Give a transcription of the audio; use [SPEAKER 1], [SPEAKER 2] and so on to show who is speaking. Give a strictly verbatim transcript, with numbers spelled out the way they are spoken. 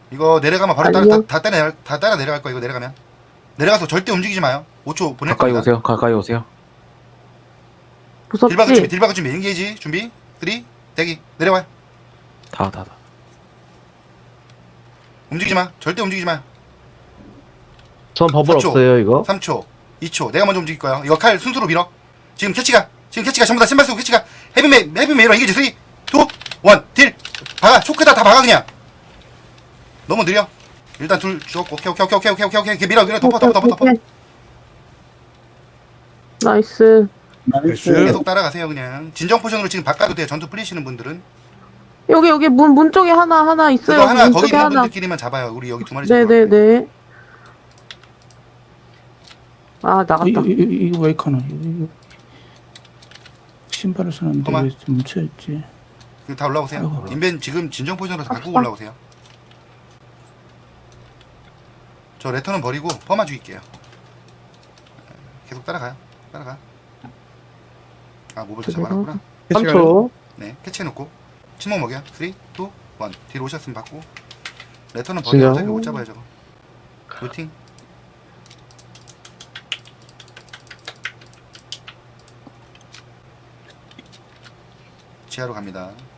[SPEAKER 1] 이거 내려가면 바로 따라
[SPEAKER 2] 아니요.
[SPEAKER 1] 다, 다 따라 다 따라 내려갈 거야. 이거 내려가면 내려가서 절대 움직이지 마요. 오 초 보낼
[SPEAKER 3] 가까이
[SPEAKER 1] 겁니다.
[SPEAKER 3] 오세요. 가까이 오세요.
[SPEAKER 1] 딜박을 준비,
[SPEAKER 2] 무섭지?
[SPEAKER 1] 딜박을 준비, 인게이지 준비, 쓰리, 대기, 내려와요.
[SPEAKER 3] 다, 다, 다.
[SPEAKER 1] 움직이지 마, 절대 움직이지 마요.
[SPEAKER 4] 전 버블
[SPEAKER 1] 사 초,
[SPEAKER 4] 없어요 이거.
[SPEAKER 1] 삼 초, 이 초, 내가 먼저 움직일 거야. 이거 칼 순수로 밀어. 지금 캐치가, 지금 캐치가 전부 다 신발 쓰고 캐치가 헤비메, 헤비메이로 인게이지 쓰리, 이, 일, 딜, 박아, 초크다 다 박아 그냥. 너무 느려. 일단 둘, 쭉, 오케이, 오케이, 오케이, 오케이, 오케이, 오케이, 오케이, 밀어, 밀어, 덮어, 덮어, 덮어, 덮어.
[SPEAKER 2] 오케이. 나이스.
[SPEAKER 5] 나이스.
[SPEAKER 1] 계속 따라가세요 그냥. 진정 포션으로 지금 바꿔도 돼요. 전투 풀리시는 분들은.
[SPEAKER 2] 여기 여기 문 문 쪽에 하나 하나 있어요.
[SPEAKER 1] 그거 하나
[SPEAKER 2] 문
[SPEAKER 1] 거기
[SPEAKER 2] 쪽에
[SPEAKER 1] 있는
[SPEAKER 2] 하나.
[SPEAKER 1] 분들끼리만 잡아요. 우리 여기 두 마리 잡아.
[SPEAKER 2] 네네네. 아 나갔다.
[SPEAKER 5] 이거 이거 이거 왜 이카노? 이거, 이거. 신발을 쓰는데
[SPEAKER 1] 그만.
[SPEAKER 5] 왜 뭉쳐있지?
[SPEAKER 1] 다 올라오세요.
[SPEAKER 5] 아이고.
[SPEAKER 1] 인벤 지금 진정 포션으로 다 바꾸고
[SPEAKER 2] 아,
[SPEAKER 1] 올라오세요. 저 레터는 버리고 퍼마 죽일게요. 계속 따라가요. 따라가. 아 모블도 잡아놨구나.
[SPEAKER 2] 삼 초.
[SPEAKER 1] 네 캐치해놓고 침묵 먹여. 쓰리, 이, 일. 뒤로 오셨으면 받고. 레터는 버려.
[SPEAKER 4] 진정.
[SPEAKER 1] 어차피 못 잡아요 저거. 루팅. 지하로 갑니다.